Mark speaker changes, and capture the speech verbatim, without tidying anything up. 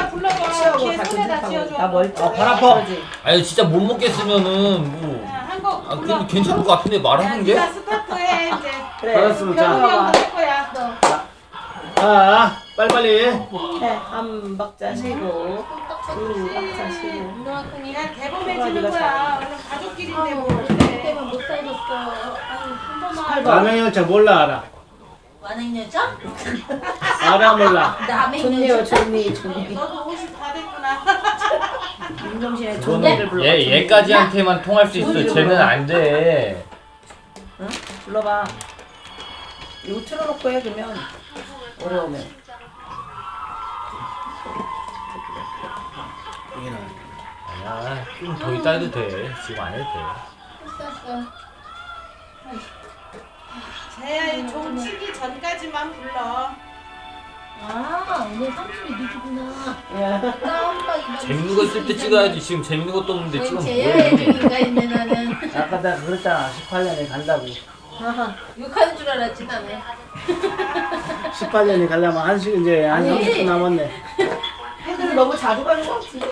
Speaker 1: 네가 불러봐.
Speaker 2: 취하고
Speaker 1: 걔
Speaker 2: 다
Speaker 1: 손에다
Speaker 2: 근접하고
Speaker 1: 쥐어줘.
Speaker 2: 나 멀.
Speaker 3: 아, 발 아파.
Speaker 4: 아니 진짜 못 먹겠으면은 뭐.
Speaker 1: 한곡
Speaker 4: 아
Speaker 1: 불러.
Speaker 4: 근데 괜찮을 것 같은데 말하는 게?
Speaker 1: 네가 스타트해 이제.
Speaker 2: 그래.
Speaker 3: 알았어, 자.
Speaker 1: 병우 형도 할 거야. 너.
Speaker 3: 자, 빨리빨리.
Speaker 2: 네, 한 박자 쉬고, 두 박자 쉬고.
Speaker 5: 운동학생이
Speaker 1: 그냥 개범해지는 거야. 원래 가족끼리인데 뭐
Speaker 5: 그때만
Speaker 1: 그래.
Speaker 5: 못 살겠어. 아유, 한 번만.
Speaker 3: 남의 열차 몰라, 알아.
Speaker 5: 완행여자?
Speaker 3: 알아, 몰라.
Speaker 5: 남의
Speaker 2: 좋네요,
Speaker 5: 여자?
Speaker 2: 좋니, 좋니.
Speaker 1: 너도 오십 다 됐구나.
Speaker 2: 윤정신의
Speaker 4: 그거는
Speaker 2: 좋니를 불러.
Speaker 4: 얘 얘까지한테만 통할 수 있어.
Speaker 2: 좋니
Speaker 4: 쟤는 안 돼.
Speaker 2: 응? 불러봐. 이거 틀어놓고 해, 그러면. 어려우면.
Speaker 4: 아니야 좀 더 이따 해도 돼. 지금 안 해도 돼.
Speaker 1: 제야 종 치기 전까지만 불러.
Speaker 5: 아, 오늘 삼십이 늦구나.
Speaker 2: 야.
Speaker 5: 깜빡이.
Speaker 4: 재밌는 거 쓸 때 찍어야지. 지금 재밌는 것도 없는데 지금
Speaker 5: 제야의
Speaker 4: 뭐해?
Speaker 5: 얘기가 있네 나는.
Speaker 3: 아까 내가 그랬잖아. 십팔 년에 간다고.
Speaker 5: 욕하는 줄 알았지 나는.
Speaker 3: 십팔 년에 가려면 한 시, 이제 한
Speaker 5: 아니.
Speaker 3: 삼십 분 남았네.
Speaker 2: 애들 너무 자주 가는 거 같은데.